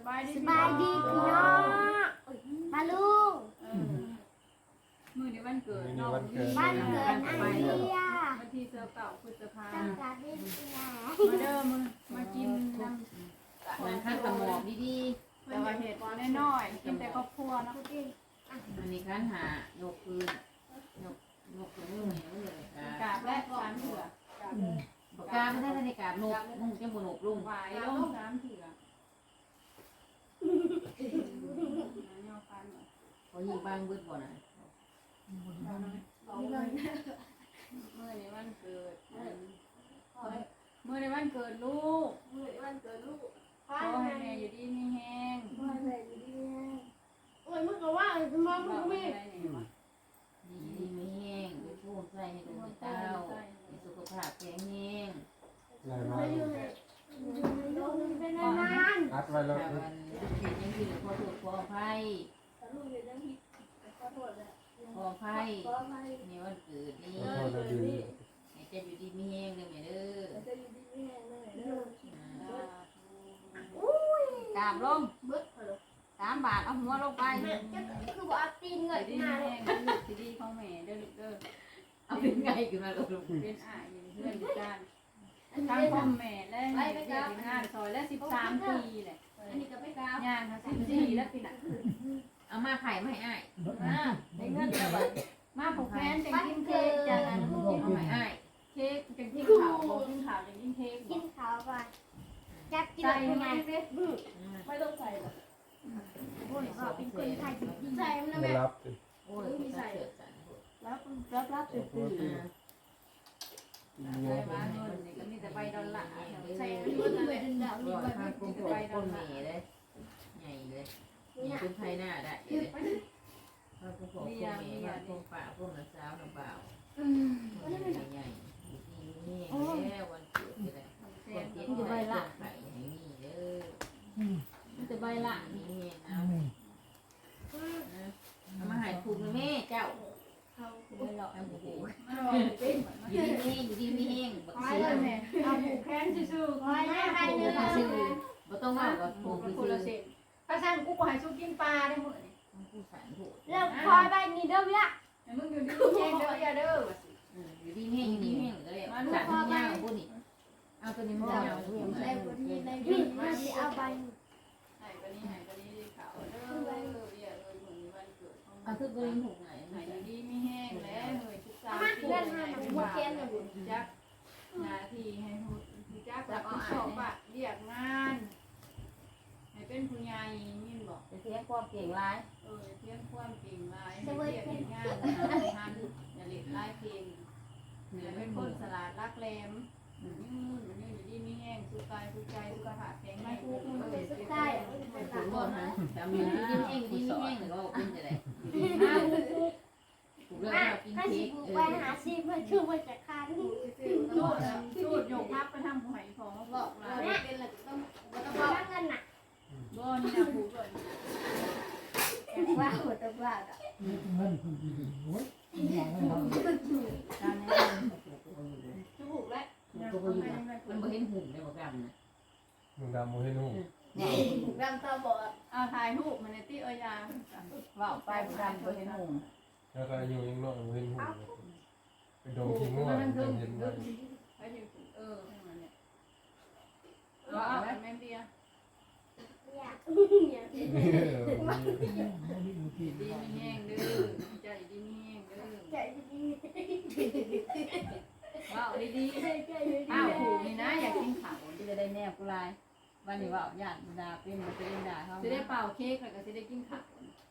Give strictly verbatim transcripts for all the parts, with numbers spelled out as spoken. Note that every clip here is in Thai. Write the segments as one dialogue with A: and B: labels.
A: ายดี
B: สบายดีพี่น้องมาลุง
A: มือในวันเกิดน้อง
B: บ้านเกิดไอเดีย
A: วันที่เสาเก่าพฤษภา
B: ตั้งแต่เด็กๆ
A: มาเด้อมือมากินน้ำ
C: มันขั้นสมองดี
A: แต่ว่าเห็ดน้อยๆกินแต่ครอบครัวเนาะ
C: ๆอันนี้ขั้นหายกคืนยกยกมือเหนียวเลย
A: กาบและสามเถื่อ
C: ปากกาไม่ได้ในกาบนกนุ่งจะบนกลุง
A: หวายลงสามเถื่อ
C: เขายิงบางเบิดบ่น่ะ
A: เมื่อในวันเกิดเมื่อในวันเกิดลูก
B: เมื่อวันเกิดลูก
A: ขอให้แม่อยู่ดีมีแห้ง
B: พ่อเลยดีโอ้ยมึงก็ว่าจะมองมึงไม่
C: ดีดีไม่แห้งไปพูดใส่ให้ดูให้เต้าให้สุขภาพแข็งแรง
B: ไม่อยู่เลยอยู่เป็นนาน
D: อัดไว้แล้ว
C: ถ้าวันเห็นยังอยู่ขอโทษขออภัย
B: ๆลูกอยู่ตั้งที่ขอโทษเลย
C: ขออภัย
B: ขอไป
C: ในวันเกิดนี้
D: ขอโทษนะดี
C: ให้เจะอยู่ดีไม่แห้งเลยแม่เด้อ
B: จะอยู่ดีไม่แห้งเลยเด้อก
A: ราบลง
B: บึ้ดเลย
A: สามบาทเอาหัวลงไป
B: แม่จะคือว่าตีนเงิน
A: ดี
B: มาเล
A: แห้
B: ย
A: งลูกดีของแม่เด้อลูกเด้อ
C: เอาเป็นไงขึ้นมาลูก
A: เป็นอ่ายอยู่เพื่อนอยู่กันทางพ่อแม่และเด็กงานซอยและสิบสามปีแหละ
B: อันนี้ก็ไม่กล้า
A: ย่างค่ะสิบสี่แล้วปีน่ะ
C: เอามาไข่มาให้อ้าย
A: มาได้เงินแล้วบัดมาผูกแขนจังกินเค้กจังนั้น
C: เอาให้อ้าย
A: เค้กจังกินข้าวบ่กินข้าวจังกินเค้ก
B: กินข้าวก่อนจับกิน
A: ใส่
B: อะไร
A: ไหม
B: มา
A: เด้
B: ไม่ต้องใส่หรอกโอ้ยก็เป็นคนไทยจริงๆใส่มันนะ
D: ไม่
B: แม่
D: รับ
C: โอ้ยมีใส่เสื้อสัน
A: รับรับรับตื่นตื่น
C: อ่า
A: ใส่มาเงินนี่ก็มีแต่ใบดอลลาร์ใส่
B: ใส่
A: เงิ
B: มัน
A: น
B: เล
A: เลย ย
B: ดาวนี่
C: ร้อย
B: มัน
C: พันกลมๆก้นเมย์เลยใหญ่เลยมีเป็นไทยหน้าได้เลยพันกลมๆก้นเมย์พันกลมป่าพวกน้ำสาวน้ำเปล่าใหญ่ๆนี่แล้ววันเกิดเลยคนเจ็ดใบละไข่อย่างนี้เด้อ
A: มีแต่ใบละ
C: นี่นะเอามาหายถูกแม่เจ้า
B: เขา
C: ไม่หรอกไอ้หมู
A: มาลองเป็น
C: อยู่ดีไม่อยู่ดีไม่แห้งบัก
A: ไป
C: ซี
A: เลยแม่เอาผูกแขนซื่อๆ
B: คอยแม่ให้เนื้อ
C: ซื้อบ่ต้องว่าว่า
A: ผู
C: ผู
A: ก
C: ก
A: คน
C: ซื้
A: ละ
C: อ
A: เส้นถ้าฉันกูก็ให้สู้กินปลาได้หมดนี่
C: ผู้สันผูก
B: เริ่มคอยไปนี่เด้อละ
A: ให้มึงอยู่ดีแห้งเด้ออย่าเด้อ
C: อยู่ดีแห้งอยู่ดีแห้งก็เลยสันยาวพวกนี้เอาตัวนี้มันยาวพวก
B: ใน
C: นี้
B: บนนี้ในบินมาสิเอาไป
A: ให้ปนี้ให้ปนี้ขาวเด้ออย่าเอ้ยมื้อนี้วันเกิดของ
C: เอาคือตัวนี้ถูกไหน
A: ให้อยู่ดีไม่แห้งแล้วเฮ้ยทุกสาม
B: มา
A: ปี
B: เพื่อนมาหนังหัวเทียนเลยบุญ
A: จักหน้าที่ให้ฮู้จักรับผิดชอบอะเรียกงานให้เป็นผู้ใหญ่ยินบอก
C: จะเสียความเก่งร้าย
A: เออเพียงความเก่งหลายให้เรียกงานทันอย่าเล่นไล่เพลงอย่าเป็นคนสลาดรักแรมยืนยืนอยู่ดีมีแห้งสุขกายสุขใจสุขภาพแข็งแรงทุกคน
B: เป็นสุดท้ายเป็น
C: ถู
B: ตาก
C: หมดนะแต่มีอยู่ดีแห้งดีแห้งหรือว่าเป็นจะไรถูกเรื่อง
B: มา
C: เรากิน
B: ถ้า
C: เค้
B: สิ
C: ก
B: บุก
C: เอ
B: ไป
C: อ
B: หาซีเพื่อชื่อว่าจะคาน
A: สูดสูดโยกพับไปทำผู้ใหญ่พอมาบอกลา
B: เนี่ยเป็นหลักต้องต้องบอกเงินน่ะ
A: บ่นี่นะผูกเลย
B: ว่าหัวตะบ้าอ่ะ
A: การนี้ถูกแล้ว
C: มันบ่เห็นหุ่มได้บ่กันนะ
D: มึงดำมึงให้นุ่ง
B: รำตาบอด
A: เอาถ่ายรูปมันในที่เอ้ยาว่าไปบุรันบ่เห็นหุ่ม
D: แล้วก็อยู่ยังน้อยมึงเห็นหุ่นไปดมขี้ง่วงเย็นเย็นไว้
A: ไปอยู่เออให้มันเนี่ยว่าเอาแม่เบียร์
B: อยากอยาก
A: ดีมีแห้งเด้อใจดีมีแห้งเด้อ
B: ใจดี
A: ว้าวดี
B: ใจใจดี
A: ๆอ้าวผูกนี่นะอยากกินข้าว
E: ที่จะได้แนบกูลายวันนี้ว่าญาติดาเป็นมาเป็นดาเขา
A: จะได้เป่าเค้กแล้วก็จะได้กินข้าว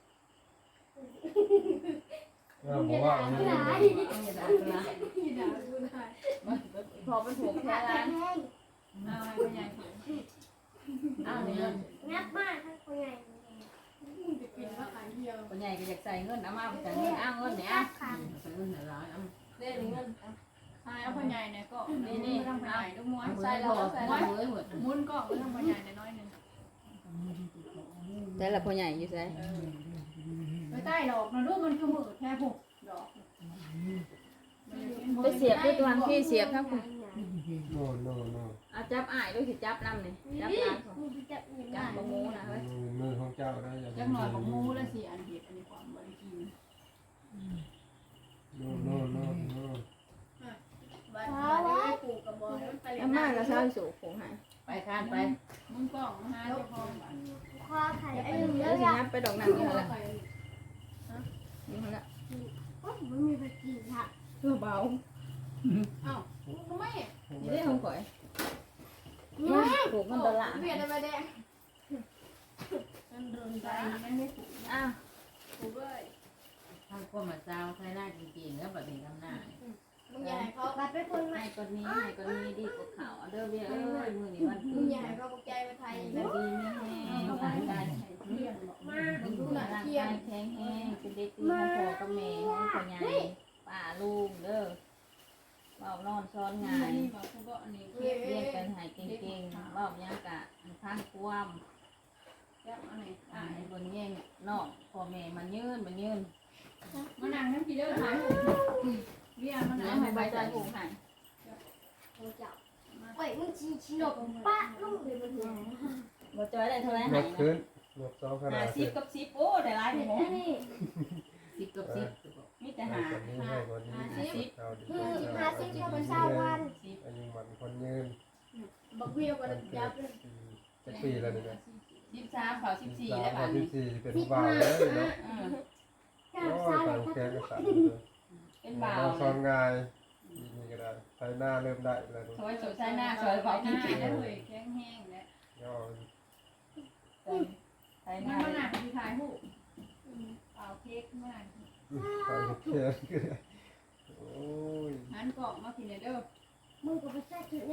D: ก็บอกว่า
B: ไม่
D: ไม่
B: ได้
D: ได้
E: เอาอย่าด่ากูลาย
A: ที่ด่ากูได้
E: พอเป็นถูกแค่
B: แข็
E: ร้าน
B: งแรง
A: เอาให้พ่อใหญ่ผูก
E: อ้าวเนี่ย
B: งับมากทั้งคนใหญ่
A: จะกินว่าขายเดียว
E: คนใหญ่ก็อยากใส่เงินเอามาแต่เงินอ้าวเงินเนี่ย
B: ค่ะ
C: ใส่เงินหนึ่งร้อยเอา
E: เล่นเงิน
A: ใช่เอาพ่อใหญ่เนี่ยก็นี่นี่ทำพ่อใหญ่ลูกม้วน
C: ใส่แล้วใส่แล้วเลยหมด
A: มุนก็ไม่ทำพ่อใหญ่น้อยนึง
E: แต่ละพ่อใหญ่อยู่ใส่
A: ไม่ใต้ดอกนะลูกมันคือมือแค่ผูกดอก
E: ไปเสียบด้วยตัวพี่เสียบทั้งคุณ
D: โน่โน่โน่
C: เอาจับอ้ายด้วยสิจับน้ำนี่จับ
B: นี่
C: น้ำของ
B: มึงจะยังไง
C: จับบังงูนะเฮ้ย
D: มือของเจ้าได้อย่า
A: จักหน่อยบักมูแล้วสิอันเห็ดอันนี้ความบริกิน
D: โน่โน่โน่โน่
A: บ้านบ้านได้ปลูกกับบอลมันไปเลย
C: อาม่าก็เศร้าสูบผมให้ไปข้านไป
A: มึงกล่องนะฮะเจ้าของบ้าน
B: คอไข่ไอ้
C: เดี๋
B: เนื้
C: ยวสิ
B: อ
C: นับไปดอกน้ำนี่ละนี่ละ
B: มันมีไปกินค่ะ
C: ตัวเบา
A: อ้าวทำไม
C: นี่ได้ของข่อย
B: นี่
C: ผูกมันตลาด
A: เปลี่ยนอะไรแดงมันโดนใจมันไม่ถูก
C: อ้าว
A: ถูกเลย
C: ทำความมาเจ้าใช้หน้าจริงๆแล้วแบบเป็นคำหน้า
A: มึงอย่าให้เขา
B: บัดเป็นคนใหม่
C: ให้คนนี้ให้คนนี้ดีกว่าเขาเด้อเบี้ยเอ้ยมือนี่วัน
A: มึ
C: คื
A: ง
C: น
A: อย่าให้เขาใจมาไทย
C: ดี
A: นะ
C: ไม่แห้งร่างกาย
A: เที่ยงบอก
B: มา
C: มึงดูร่างกายแข็งแห้งเป็นเด็กดีของพ่อกับแม่ของพ่อใหญ่ป้าลุงเด้อเบานอนซ้อนงาน
A: นี่บอกเขาบอกอันนี้
C: เรียกเรียกกันหายเก่งๆเบายังกะข้างความ
A: จับอันไหน
C: อ่า
A: อ่า
C: ให้บนแย่งนอกพ่อแม่มันยืนมันยืน
A: มานั่งน้ำกี่เด้อถ่ายเรียมัน
C: แล้
A: นั่
C: ว
A: ง
C: ให้
A: ให้
C: ใบ
A: ใบ
C: ใจ
A: ใจ
C: ผูกให้
B: โอ้เจ้าโอ้ยมึงชี้ชี้หนกป้าลูกเลยมันหัว
C: บ่จอยได้เท่าไร
D: น
C: ให้
D: กขึ้นนกสองขนา
C: หา
D: ด
C: สิบกับสิบโอ้ได้หลายหมู
B: นี่
C: สิบกับสิบมีแต่
D: ให้
C: หา
D: คนนี้ให้คนนี้เอาดี
B: คือหาซื้อเท่ากับเช้าวัน
C: สิบ
D: อายุมันคนยืน
A: บักเบี้ยวกันยับเลย
D: จะปีแล้วนี่นะ
C: สิบสามเขาสิบสี่
D: สา
C: แล้ว
D: ม
C: บ้าน
D: สิ
C: นี้
D: บสี่เป็นบ่าวเลยเนาะ
C: อืม
B: เจ้า
D: โอ้
B: ซาย เล
D: ตาย
B: ก็
D: แกก็สั่น
C: เป็นบ่าว
D: เราซ้อน
C: เลย
D: งายนี่ก็ได้ไทยหน้าเริ่มได้แล้ว
C: สวยสวยใช้หน้าสวยเบา
A: ห
C: จ
A: น้า
C: ริง
A: แล้วเลยแข็งแห้งแล้ว
D: ย่อ
C: ๆใช้ห
A: มัน
C: น้า
A: มาหนักที่ถ่ายหูเปล่าเค้กมาก
D: ตายแค่โอ้ย
A: หันกล่องมากินเด้อ
B: มึงก็ไปใส่ถุงแน่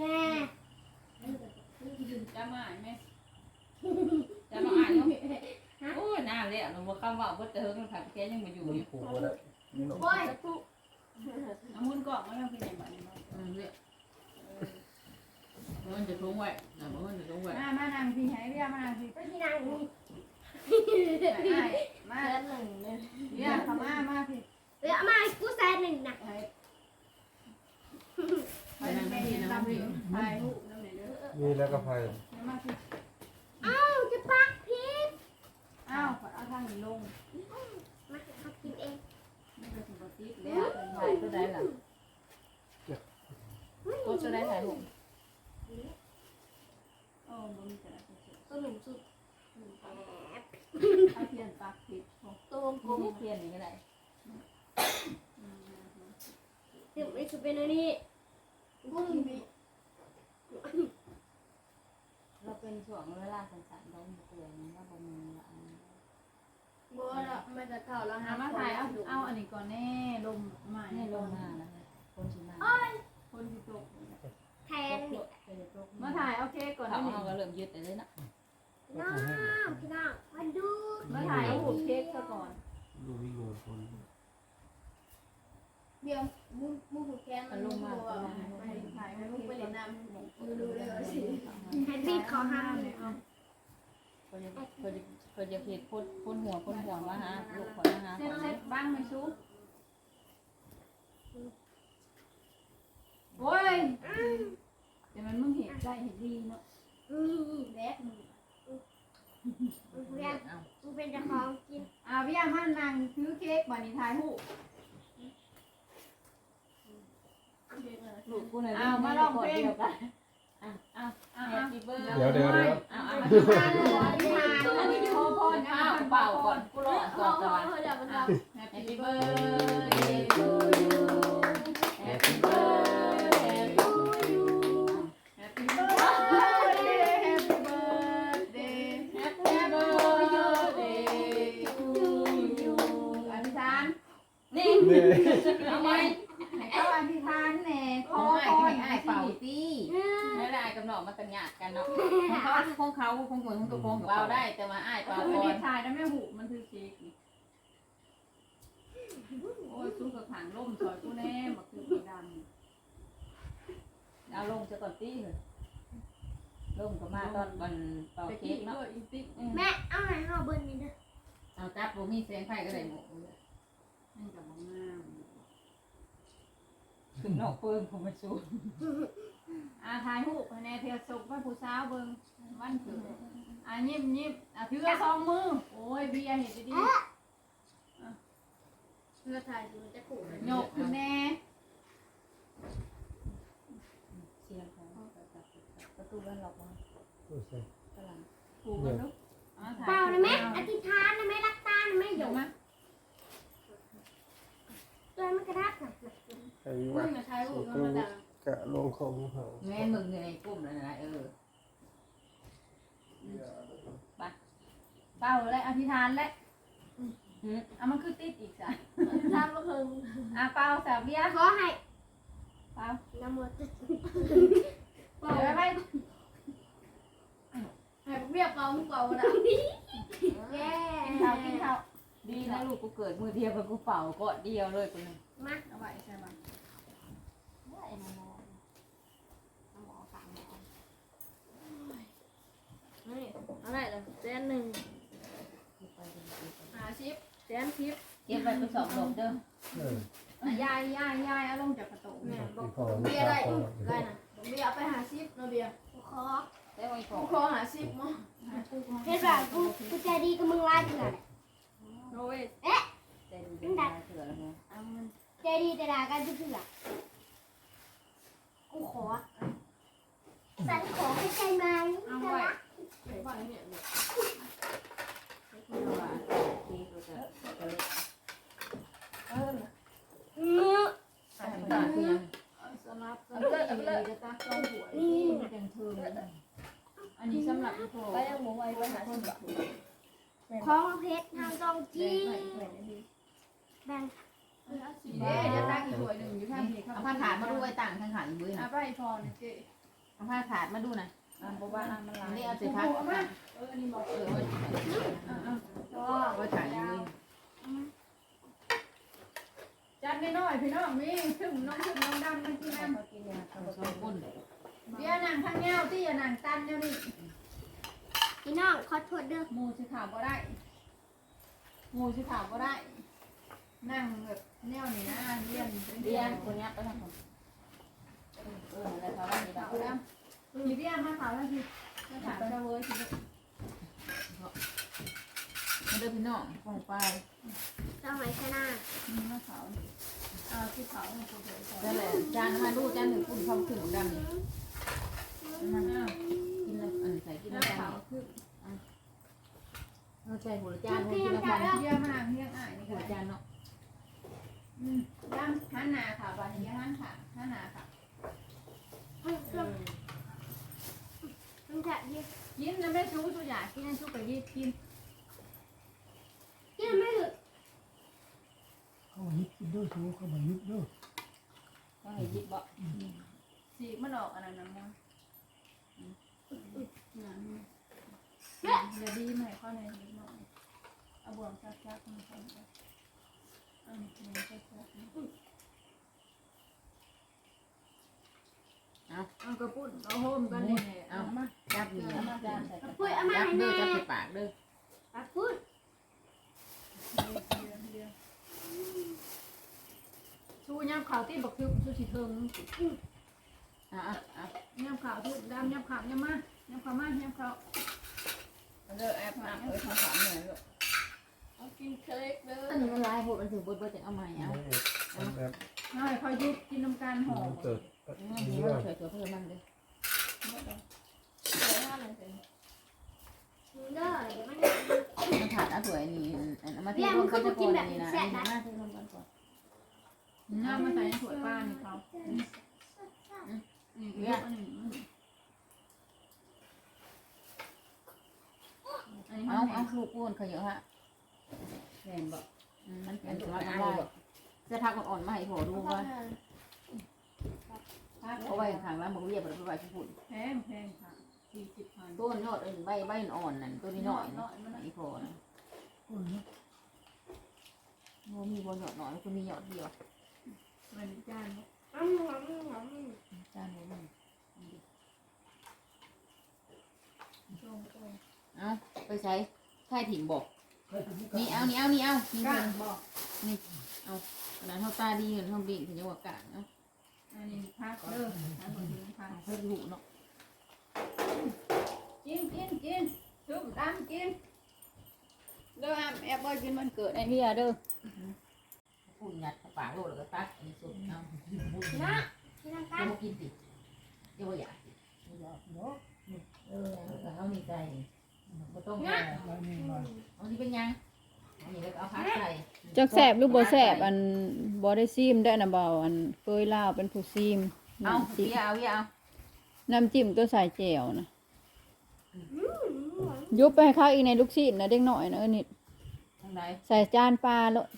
A: จะมาไหม
C: จะมาอ่านเนาะโอ้ยหน้าเลยอ่ะหนูว่าคำว่าบ่เจอมันขัดแค่ยังมาอยู่
D: มัน
C: อยู่
D: ผูกบ่ได้นี่หนก
B: โอ้ย
A: น้ำมันกล่องมาแล้วกินอย่างแบบนี้
C: อืมเนี่ยมันจะทุ่งไว้นะมันจะทุ่งไว้
A: มามานั่งพี่ให้เรียมานั่งพี่
B: ไปที่นั่งนี่
A: มา
B: แสนหนึ่งเนี่ย
A: เรียเขามามาพี่
B: เดี๋ยวมากูแสนหนึ่งนะ
A: ไปนั่งพี่ตามพี่ถ่ายรูปนั่นเลยเด้อ
D: นี่แล้วก็ไฟ
A: มาพี่
B: อ้าวจะปักพิษ
A: อ้าวเอาทางนี้ลง
B: มาเขากินเอง
A: ไม่เป็นปกติ
C: แล้
A: แล้ว ว
C: ถ่ายก็ได้ล่ะก็จะได้ถ่ายรูป
A: โอ้บ่มีแต่ละเ
B: ตัวหนุ่มสุด
A: อาเทียนปากปิด
B: ตัวกลม
C: เพียนนี่ก็ได้
B: เดี๋ยวไม่สุดเป็นอันนี้กุ้งมี
C: เราเป็นช่วงเวลาสั้นๆเราเตือนว่าบ่มีอัน
B: บัวละมันจะเท่าแล้ว
A: หามาถ่ายเอาเอาอันนี้ก่อนแน่ลมใหม่
C: นี่ลงมาแล้วคนชิมา
A: คนที่ตก
B: แทนนี่
A: มาถ่ายเอาเค้กก่อน
C: เขา
A: นี่
C: เอาก็เริ่มยึดเลยนะ
B: น้องพี่น้องมาดู
A: มาถ่ายเอาหูเค้กซะก่อน
D: ดูวิ่งโง่คน
B: เดี๋ยวมูมูหูแกนมันลงมา
A: ไปถ่ายให้ลูกไปเล่นน้ำดูเลยสิ
B: แฮนดี้ขอห้ามเลย
C: เขาจะเขาจะเขาจะเพจพ่นพ่นหัวพ่นหัวมาฮะลูกขอนะฮะ
A: เซ็ตเซ็ตบ้างไหมซุปโอ้ยแต่มันมึงเห็นใจเห็นดีเนาะ
B: นี่
A: แดกมึง
B: เรียนมึงเป็นเจ้าของกิน
A: อ่าพี่ยามันนั่งถือเค้กบันนี้ถ่ายหู
C: ลูกกูเนี่ย
A: เอามาลองเพลง
C: อ่ะอ่ะ
A: อ่า
C: แฮปปี้เบิร์ด
D: เดี๋ยวเดี๋ยวเดี๋ยว
C: อ่ะอ่ะ
A: ทานเลยทานอันนี้ขอพรนะ
C: ข้าวเปล่าก่อนกูรอก่อนจะมา
B: เดี๋ยวมันท
A: แฮป
C: แฮป
A: ปี้
C: ปี้
A: เบิ
C: เบิ
A: ร์
C: ร์ด
A: ด
C: เดย์ทูยูแฮปปี้เบิร์ดทูยู
A: แฮปปี้เบิร์ดเดย์แฮปปี้เบิร์ดเดย์
C: แฮปปี้เบิร์ดเดย์ทูยู
A: อธิษฐาน
C: นี่
D: นี่
C: ทำไม
A: เอาอธิษฐานแหน่ข
C: ขอ
A: อ
C: ให้
A: พร
C: ให้เป่าตีไม่ได้กำหนดมาตัญญากันเนาะของเขาของเขาของคนของตัวของเราได้แต่มาอ้ายเป่า
A: เอา
C: ก่
A: ไม่
C: อ
A: ได้
C: น
A: ถ่ายนะแม่หูมันคือเค้กนี่โอ้ยสู้กับถังล่มซอยกูแน่มาคือสีดำ
C: เอาลงจะก่อนตีเลยลงก็มาตอนวันเป่า
A: ไป
C: เค้
A: กิ
C: ก
A: น
C: เนาะ
A: ด้วยอีติ๊ก
B: ำแม่เอาไหนเอาเบอร์นี้นะ
C: เอาจับบ่มีแสงไฟก็ได้หมด
A: นั่นกับมะงาม
C: ถึงนอกเพิ่มผมมาชู
A: อาถ่ายรูปให้แน่เพียรส่งให้ผู้สาวเบิ่งวันเกิดอ่ะยิ้มยิ้มอ่ะถือสองมือโอ้ยเบียร์เห็นดี
B: เพื่อถ่ายดูจะขู่เลย
A: ๆยกขึ้นแน่
E: เสียงของประตูบ้านล็อกมา
D: โอ้ใช่
E: กำลัง
A: ถูกกันลูกอ่ะถ่าย
B: เปล่านะแม่อธิษฐานนะแม่รักตานะแม่หย
A: เดี๋ยว
B: ก
A: มา
B: ตัวมันกระดับนะ
D: ใคร
A: มึ
D: วะ
A: งจะถ่ายรูปธรรมดาก
D: ะลงของเขา
C: แม่มึงในกลุ่มนั่นนะเออ
A: เป้าเลยอธิษฐานแล้วอ่ะมันคือติดอีกจ้ะ
B: ทำมาเพิ่ง
A: อ่ะเป้าสาวเบียร์
B: ขอให้
A: เป้า
B: น้ำมัน
A: เป้าไว้ไว้
B: ให้เรียบเปล่ามึงเปล่านะแย่
A: กินข้าวกินข้าว
C: ดีนะลูกกูเกิดมือเดียวกับกูเป่าก็เดียวเลยกูนึง
B: มา
A: เอาไว้ใช่ไหม
B: ได้น้ำมันน้ำมันฝากหมอนี่อะไรล่ะแสนหนึ่งหาชิปแสนชิป
C: เก็บไปไปสอบหลบเด้อ
D: เออ
A: อ่ะยายยายยายเอาลงจากประตู
B: แม่
D: ที่
B: บอก
D: พ่อ
B: เบียร์ได้ได้นะเบียร์ไปหาชิปนะเบียร์ขอ
C: ได้ไว้ก่อ
B: กู
C: น
B: ขอหาชิปมั้งเฮ็ดแบบกูกูใจดีกับมึงไล่เถื่อน
A: โอ้ย
C: ใจดูดีนะเถื่อนแล้วไง
B: เอามันใจดีแต่ด่ากันเถื่อนกูขอสันขอให้ใจไหม
A: เอาไว้
B: ไปบ้านเนี่ย
C: ที่ว่าที่กูจะจะเล็ก
B: เออ
C: ทำตาคือยัง
A: สำหรับเอาเลยเอาเลยจะตักลงหัวนี่มันเป็นเทิงอันนี้สำหรับอีโฟ
B: ไปยังหมูไว้ไปหาชิปของเพชรทางตองจีแบ่ง
A: เด้เดี๋ยวตักอีกถ้วยหนึ่งอยู่ข้างนี้ครับ
C: เอาผ้าถาดมาดูไว้ต่างข้างขันบื้อ
A: อ่ะ
C: นะ
A: ไปพอนะเจ๊
C: เอาผ้าถาดมาดูนะ
A: อ่ะบอกว่าอ่ะมันลาย
C: นี่เอาเศษผ้า
A: เอออันนี้บอก
C: เออไว้
A: อ่ะอ่ะ
B: ก็
C: ไว้ถ่ายยืน
A: จัดน้อยๆพี่น้องมีถึงน้องถึงน้องดำมันกินน้ำ
E: เขากินยาเขา
C: สองคน
A: เดี๋ยวนั่งข้างเงาที่อย่านั่งตันเดี๋ยวนี้
B: พี่น้องขอโทษเด้อ
A: หมูสิขาวก็ได้หมูสิขาวก็ได้ นั่งแบบแนวนี้นะเรียน
C: เรียนคนนี้ไปทำคนเอออะไรเขาว่ามีแบ
A: ขาว
C: บ
A: ดำมีเรียนมาขาวแล้วสิมาถามเจ้าเว้ยสิ
C: มาเดินพี่น้องฟองไป
B: เจ้าไหมชนะ
A: มีมาขาวอ่าที่ขาวมันคือสวย
C: นั่นแหละจานมาดูจานหนึ่งคุณเขาถึงดำนี่
A: มันอ่ะ
C: กินแล้วอันใส่กิน
A: แล้
C: แล้ว ว
A: ขาวคือ
C: เอาใจหัวจานหัว
B: เพี
C: กิ
B: ย
C: น
B: ง
C: แล้ว
B: กั
C: กัน น
B: แล้ว
A: เยี่ยมมากเยี่ยมอ่ายนี่
C: หั
A: ก็
C: วจานเนาะ
A: อืมดำหันหน้าค่ะวันนี้หันค่ะหันหน้าค่ะ
B: มันจะยิบ
A: กินนะแม่ชูตัวใหญ่กินนะชูไปยิบกิน
B: กินไม่หยุด
F: เขามายิบกินด้วยชูเขามายิบด้วย
C: ต้องให้ยิบบ่
A: สีมันออกอันนั้นนะมั้งเดี๋ยวดีไหมข้อในนิดหน่อยเอาบ่วงซักซักมันซักซักอันนี้ซักซักเอากระปุ้นเอาโฮมกันนี่เอามา
C: จับนี่
A: เอามาจานใส่
B: ปุ้ยเอามา
C: จับ
B: ให้
C: เด้อ
B: แม่
C: จับใส่ปากเด้อ
B: ปักปุ้ย
A: ชูย่ำขาวที่บักทึบชูสีเทิง
C: อ่ะอ่ะอ่ะ
A: ย่ำขาวที่ดำย่ำขาวย่ำมาย่ำขาวมาย่ำขาว
C: เด้อแอบอ่ะเอ้ยทำสามหน่อยลูก
A: เอากินเค้กเด้อ
C: อันนี้มันลายโหดมันถึงเบิดเบิดจะเอาใหม่เอา
D: แบบ
A: น้อยคอยยุบกินน้ำกันหอม
D: เกิด
C: นี่นี่ว่าสวยๆเพิ่มมันเด้อ
B: เด้อเดี๋ยวมัน
C: มันขาดอ่ะสวยนี่อันเอามาที่รวมกันจะก่อนนี่นะอันนี้มาที่รวมกันก่อน
A: น้ำมาใส่ในถ้วยป้านี่เขานี่เยอะอันนี้อันนี้
C: เอาเอาลูกอ้วนเขาเยอะฮะ
E: แม่นบอก
C: มันเป็นตัวอะไรจะพักอ่อนๆมาให้พอดูว่าเอาไว้ข้างล่างบอกเรียบไปไว้ที่ฝุ่น
A: แพงแพงค่ะสี่สิบพัน
C: ต้นยอดอันใบใบอ่อนนั่นตัวนี้หน่อยไอ้พอนะ
F: คนนี้
C: โอ้มีบนหยอดหน่อยคุณมีหยอดเดียว
A: มันจาน
B: อืมอืมอืม
C: จานนี้มัน
A: ตรงตรง
C: เอาไปใช้ใช่ถิ่นบอก
F: ใครจะมี
C: นี่เอานี่เอานี่เอานี่
A: ก้า
C: เพิ่น
A: บอก
C: ขนาดเท่าตาดีเงินเท่าบิ่งถึงจะว่ากลางเนาะ
A: ออันนี้พักเด้ออันนี้พัก
C: เพิ่นหูเนาะ
A: กินกินกินชุ่มดำกินเด้ออ้ำแอบบ่กินมันเกิดไอ้เฮียเด้อ
C: พูดหยัดปากโลดแล้วก็ตักอันนี้สุดเอาพูด
B: นะที่นั่งกัน
C: เดี๋ยวกินติเดี๋ยวอยากเออเอานี่ใจบ่ต้องเอา
F: แล้วนี่มา
C: เอานี่เป็นยังเอานี่แล้วก็เอาพักใส่
A: จักแซ่บหรือบ่แซ่บอันบ่ได้ซีมได้นะเบาอันเคยลาวเป็นผู้ซีม
C: เอา
A: น้ำ
C: เสี
A: จิ้ม
C: ยเอาเสียเอา
A: น้ำจิ้มตัวใส่แจ่วนะยุบไปให้เขาอีกในลูกชิ้นนะเด็กหน่อยนะเออนี่
C: ทางใด
A: ใส่จานปลาแล้ว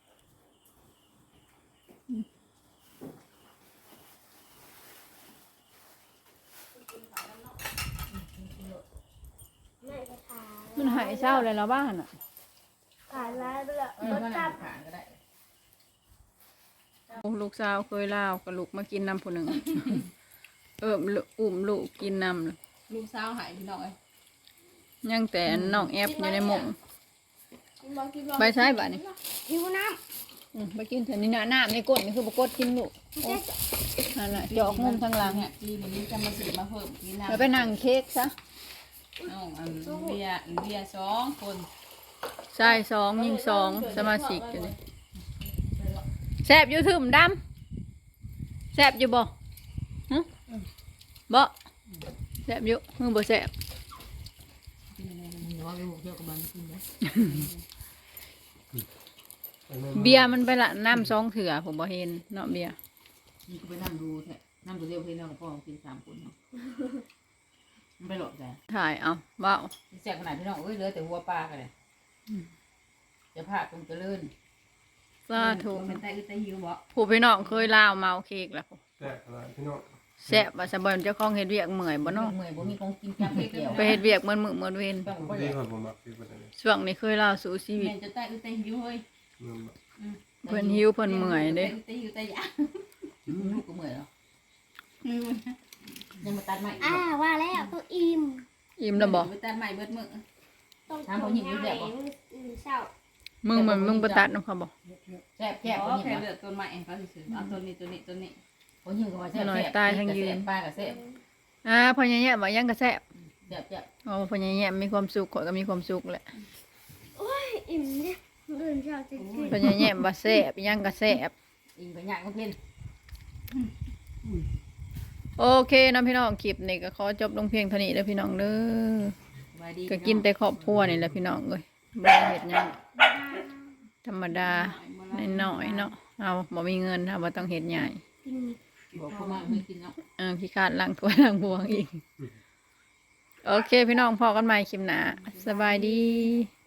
B: ไม่ไปขาย
A: มันหายเศร้าเลยแล้วบ้านอ่ะ
B: ขายแล้วเรือ
C: เออ
B: รถ
C: มัน
B: จับ
C: ผ่านก็ได้
A: ลูกสาวเคยลาวกับลูกมากินน้ำผู้หนึ่ง เออลูกอุ้มลูกกินน้ำเลย
E: ลูกสาวหายพี่น้องเอ้ย
A: ยังแต่น้องแอฟอยู่ในหมง
E: กินบ่กินบ่
A: ไปใช้บ้านี่
B: หิวน้
A: อืมไปกินเถอะนี่นะน้ำในก้นนี่คือปกดกินลูก
B: ำไม่ใช่
A: นั่นน่ะจอกงุมทางหลัง
E: เนี่ยจีนนี้จะมาซื้อมาเพิ่มกินน้ำ
A: แล้วไปนั่งเค้กซะ
E: น้องอันเบียร์อันเบียร์สองคน
A: ใช่สองยิงสองสมาชิกอยู่นี่แซ่บอยู่ถึมดำแซ่บอยู่บ่ฮะบ่แซ่บอยู่มือบ่แซ่บ
C: มันว่าลูกเที่ยวกับมันกินนะ
A: เบียร์มันไปละน้ำสองเถื่อผมบ่เห็นเนาะเบียร์
C: มันก็ไปนั่งดูแท้นั่งดูเรียวพี่น้องพ่อกินสามคนเนาะมันไปหลบแต่
A: ถ่ายเอาเว้า
C: แซ่บขนาดพี่น้องเอ้ยเหลือแต่หัวปลากันเลยจะพาตรงเจริญ
A: สาธุ
C: เป็นไตอึไตหิวบ่
A: ผู้พี่น้องเคยลาวเมาเค้กแล้ว
D: แต่อะไรพี่น้อง
A: แซ่บว่าสบายเจ้าของเฮ็ดเวียกเมื่อยบ่เนาะ
C: เมื่อยบ่มีของกินจับเกี่ยว
A: ไปเฮ็ดเวียกมื้อมื้อมื้อเว้น
C: ต้องบ่
D: ดี
C: ได้
D: กว่าผมมักที่ประเทศนี้
A: ช่วงนี้เคยลาวสู่ชีวิต
E: แม่จะไตอึไตหิวเฮ้ย
D: มันแบบ
A: เพิ่นหิวเพิ่นเมื่อยเด้
E: ไตหิวไตอยาก
C: ลูกก็เมื่อยแล้วยังมาตัดไม้
B: อ่าว่าแล้วตัวอิ่ม
A: อิ่มแล้วบ่
E: ไปตัดใหม่เบิดมื้อ
B: ต้องทำยังไงอืมเศร้า
A: มึงมึงมึงบ่ตัดนำเขาบ่
C: แซ่บแซ่บ
E: อ๋
C: ค
E: อน
C: ยิง
E: แค่
C: วะ
E: เลือกต้นไม้เองเขาสิซื้อเอาต้นนี้ต้นนี้ต้นนี้
C: คนยิงก็ว่าแซ่บแซ่บปลากับแซ่บ
A: อ่าพ่อใหญ่ๆว่ายังก็แซ่บ
C: แซ่บแซ่บ
A: อ๋อพ่อใหญ่ๆมีความสุขข้อยก็มีความสุขแหละ
B: อิ่มเนี่ยเดินเช้าจะกิน
A: พ่อใหญ่ๆว่าแซ่บยังก็แซ่บ
C: อิงไปย่างก็กิน
A: โอเคนะพี่น้องคลิปนี้ก็ขอจบลงเพียงเท่านี้เด้อพี่น้องเด้อ
C: สบายดี
A: ก็กินแต่ครอบครัวนี่แหละพี่น้องเอ้ยบ่ได้เฮ็ดหยังธรรมดาน้อยๆเนาะเอาบ่มีเงินเอาบ่ต้องเฮ็ดใหญ่
B: กิน
C: บอกเขามาไม่กินเนาะ
A: เออขี้คร้าดล้างถ้วยล้างบวงอีกโอเคพี่น้องพอกันใหม่คลิปหน้าสบายดี